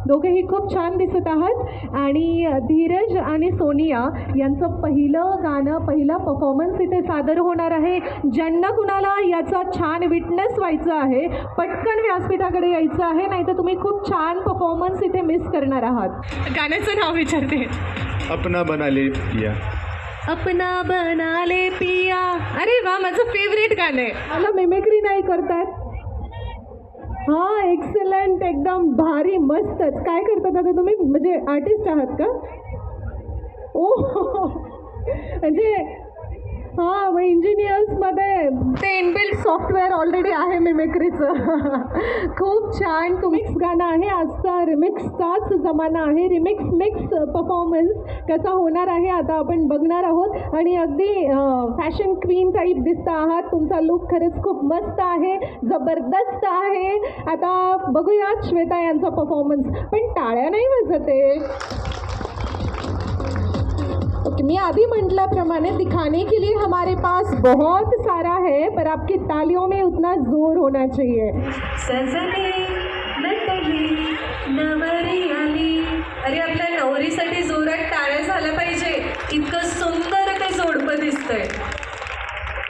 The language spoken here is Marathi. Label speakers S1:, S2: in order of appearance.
S1: दोघेही खूप छान दिसत आहात. आणि धीरज आणि सोनिया यांचं पहिलं गाणं, पहिला परफॉर्मन्स इथे सादर होणार आहे. ज्यांना कुणाला याचा छान विटनेस व्हायचं आहे, पटकन व्यासपीठाकडे यायचं आहे, नाहीतर तुम्ही खूप छान परफॉर्मन्स इथे मिस करणार आहात. गाण्याचं नाव विचारते.
S2: अपना बना ले पिया.
S1: अपना बना ले पिया. अरे वा, माझं फेवरेट गाणं आहे. मला मिमिक्री नाही करतात. हां, एक्सलंट, एकदम भारी, मस्तच. काय करतात आता तुम्ही? म्हणजे आर्टिस्ट आहात का? ओ म्हणजे हां, मग इंजिनियर्समध्ये ते इनबिल्ट सॉफ्टवेअर ऑलरेडी आहे मिमिक्रीचं. खूप छान. तुम्हीच गाणं आहे. आजचा रिमिक्सचाच जमाना आहे. मिक्स परफॉर्मन्स कसा होणार आहे आता आपण बघणार आहोत. आणि अगदी फॅशन क्वीन टाईप दिसता आहात. तुमचा लुक खरंच खूप मस्त आहे, जबरदस्त आहे. आता बघूयात श्वेता यांचा परफॉर्मन्स. पण टाळ्या नाही वाजत आहे. मैं अभी म्हटल्याप्रमाणे दिखाने के लिए हमारे पास बहुत सारा है, पर आपकी तालियों में उतना जोर होना चाहिए.
S3: सजने नटली नवरी आली. अरे आपल्या नवरीसाठी जोरात टाळ्या झाल्या पाहिजे. इतकं सुंदर ते जोडपं दिसतंय.